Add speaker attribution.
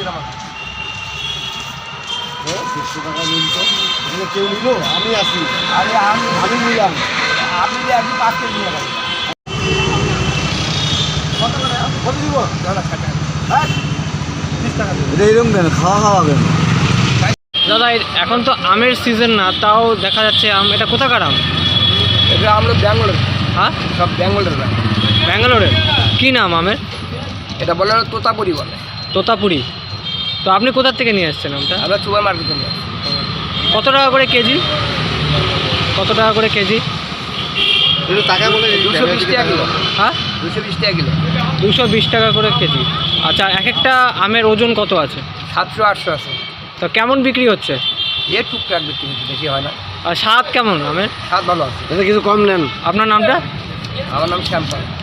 Speaker 1: টাকা নিন তো, কেউ নিল, আমি আসি। আরে আমি নিলাম, আপনি যে একদিন 5 কেজি নিয়ে গেলেন। কত দিব? 30 টাকা দেবো। এটা এরকম কেন, খাওয়া কেন?
Speaker 2: দাদা এখন তো আমের সিজন না, তাও দেখা যাচ্ছে আম। এটা কোথাকার আম?
Speaker 1: এটা আমরা ব্যাঙ্গালোর,
Speaker 2: হ্যাঁ
Speaker 1: সব ব্যাঙ্গালোরের।
Speaker 2: ব্যাঙ্গালোরের। কী নাম আমের?
Speaker 1: এটা বলে তোতাপুরি বলে।
Speaker 2: তোতাপুরি। তো আপনি কোথা থেকে নিয়ে এসেছেন আমটা?
Speaker 1: আমরা সুপার মার্কেটে নিয়ে
Speaker 2: কত টাকা করে কেজি? কত টাকা করে কেজি?
Speaker 1: একটু টাকা বলে 220 টাকা কিলো।
Speaker 2: হ্যাঁ
Speaker 1: 220 টাকা কিলো।
Speaker 2: 220 টাকা করে কেজি। আচ্ছা, এক একটা আমের ওজন কত আছে?
Speaker 1: 700-800 আছে।
Speaker 2: তো কেমন বিক্রি হচ্ছে?
Speaker 1: টুকটাক বিক্রি হচ্ছে, বেশি হয় না।
Speaker 2: আর স্বাদ কেমন আমের?
Speaker 1: স্বাদ ভালো আছে। এটা কিছু কম নেন।
Speaker 2: আপনার নামটা?
Speaker 1: আমার নাম শ্যামপাল।